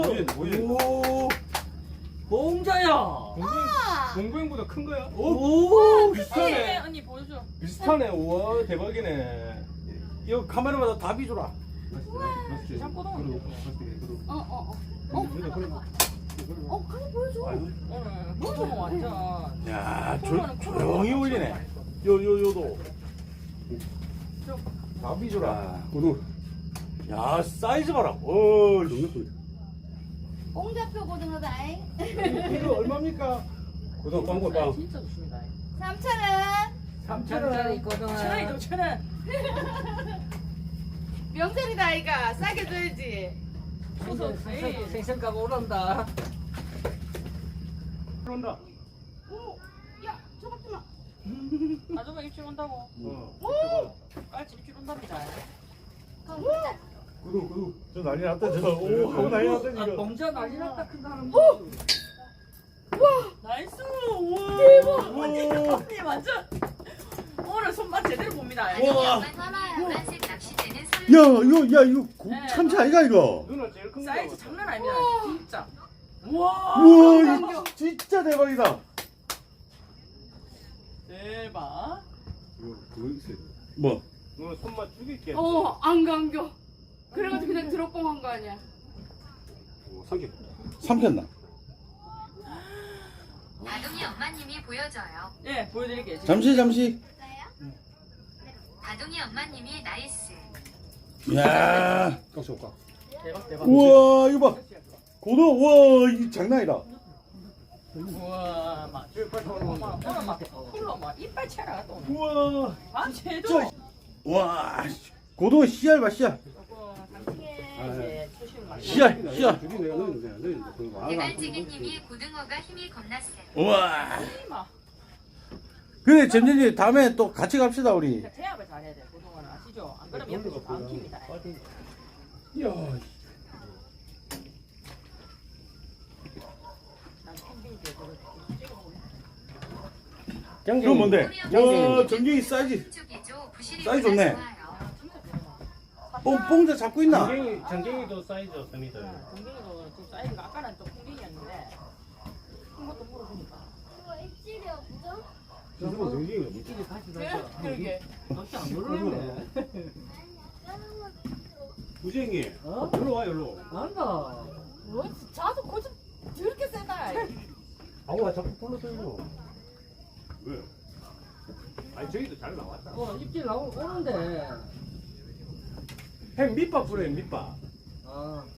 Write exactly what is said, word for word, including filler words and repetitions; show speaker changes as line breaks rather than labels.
오,
봉자야.
공구형보다 큰 거야?
오,
비슷하네.
언니 보여줘.
비슷하네. 우와, 대박이네. 이거 카메라마다 다 비주라.
짬꼬동.
어어어. 어, 어, 그래 보여줘.
오늘 보여줘 완전.
야, 조, 조용히 울리네. 요, 요, 요도. 다 비주라.
고등
야, 사이즈 봐라. 오,
옹자표 고등어다잉.
이거 얼마입니까?
고등 빵고 빵.
진짜 좋습니다.
삼천 원.
삼천 원짜리 있거든.
천 원이죠 천 원.
명절이다 아이가 싸게 줘야지.
소소 에이.
생선가가 오른다.
그런다.
오, 야, 저것 좀.
아줌마 입질 온다고.
어.
깔치 입질 온답니다.
고등 고등.
저 난리 났다, 저. 오, 하고 난리 났다,
아,
지금.
봉자 난리 났다 큰 사람.
나이스. 우와. 대박. 언니 언니 완전 오늘 손맛 제대로 봅니다.
우와.
야 이거 야 이거 고,
네.
참치 아이가 이거.
누나 제일 큰 거.
사이즈 장난 아닙니다. 진짜. 우와.
우와 이거 진짜 대박이다.
대박.
이거 그거 있어요. 뭐?
누나 손맛 죽일게.
어, 안 감겨. 그래가지고 그냥 드롭봉한 거 아니야.
삼겹. 삼켰나?
다둥이 엄마님이 보여줘요.
예, 보여드릴게요. 지금.
잠시 잠시.
다둥이 엄마님이 나이스.
야. 깍지 깍.
대박 대박.
우와 이거 봐. 고등 우와 이 장난이다.
우와, 막 오늘 막 쿨러 막 이빨 채라 또.
우와.
아, 쟤도.
저- 와 고등 씨알 봐 씨알.
이제 초심 많이.
씨알 씨알.
대갈지기님이 고등어가 힘이 겁났어요.
우와.
막
그래 점점이 다음에 또 같이 갑시다 우리.
태압을 잘해야 돼. 고등어는 아시죠? 안 그러면 옆에서 안 킵니다.
야.
난 캠핑 때
그건 뭔데? 와 전갱이 사이즈.
쪽이죠. 부실이
사이즈 좋네.
좋아요.
뽕 뽕자 잡고 있나?
전갱이, 전갱이도 사이즈 없습니다.
동갱이도 좀 사이즈가 아까는 좀 풍뎅이였는데 큰 것도 물어보니까.
입질이 없죠?
이끼리 같이 다녀.
그러게.
너씨 안 놀랐네.
우쟁이.
어?
일로 와, 일로.
난다.
뭐, 자도 고집 저렇게 세다.
아우가 자꾸 불러들고. 왜? 아니, 저기도 잘 나왔다.
어, 입질 나오 오는데.
형 밑밥 불어요, 밑밥.
아,